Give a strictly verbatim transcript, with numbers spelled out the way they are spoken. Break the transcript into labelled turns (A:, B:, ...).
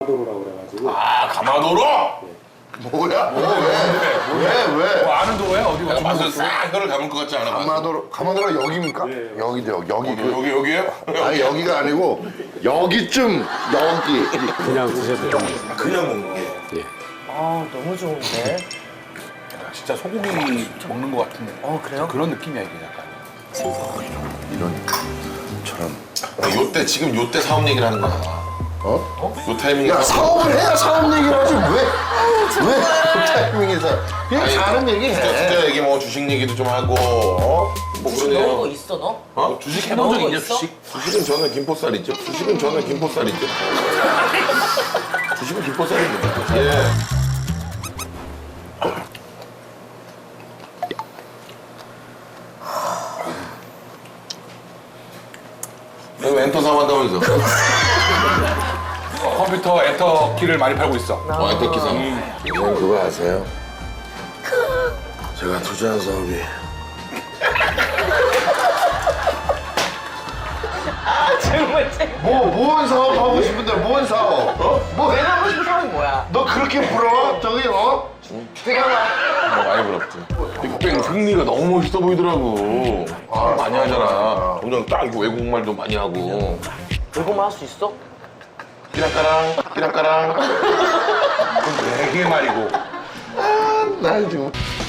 A: 가마도로라고 그래가지고.
B: 아, 가마도로?
A: 네.
C: 뭐야? 뭐, 왜? 왜? 왜?
B: 뭐 아는 도로야? 어디가? 맛을 싹 혀를 감을 것 같지 않아?
C: 가마도로, 가마도로가 여기입니까?
A: 네.
C: 여기죠, 여기. 여기,
B: 어,
C: 그,
B: 여기, 여기에요?
C: 아니, 여기가 아니고, 여기쯤, 여기.
A: 그냥 드셔도 됩니다.
B: 그냥 먹는 게.
A: 예.
D: 아 너무 좋은데.
B: 진짜 소고기 먹는 것 같은
D: 어 그래요?
B: 그런 느낌이야, 이게 약간.
C: 이런, 저런.
B: 요때, 지금 요때 사업 얘기를 하는 거야.
C: 어?
B: 요 타이밍에.
C: 야, 사업을 해야 사업 얘기를 하지. 왜? 왜? 그 타이밍에서. 그냥 사는 얘기
B: 투자,
C: 해.
B: 투자 얘기, 뭐 주식 얘기도 좀 하고, 어? 뭐
D: 주식 넣은 거
B: 그러네요.
D: 있어 너?
B: 어? 주식
D: 넣은
B: 해본 적
D: 거
B: 있냐,
D: 있어?
B: 주식? 주식은 저는 김포살 있죠. 주식은 저는 김포살 있죠. 주식은 김포살입니다. 예. 너 엔터 사업한다면서? 컴퓨터 엔터 키를 많이 팔고 있어. 어, 엔터 키 사업.
C: 선생님 그거 아세요? 제가 투자한 사업이
D: 정말 재.
C: 뭐, 뭔 사업 하고 싶은데 뭔 사업? 어? 뭐,
D: 내가 하고 싶은 사람이 뭐야?
C: 너 그렇게 부러워? 저기, 어?
D: 잠깐만.
B: 뭐 많이 부럽지. 빅뱅 승리가 너무 멋있어 보이더라고. 아, 많이 하잖아. 점점 딱 이거 외국말도 많이 하고.
D: 외국말 할 수 있어?
B: 끼락까랑, 끼락까랑. 그건 되게 말이고.
C: 난 지금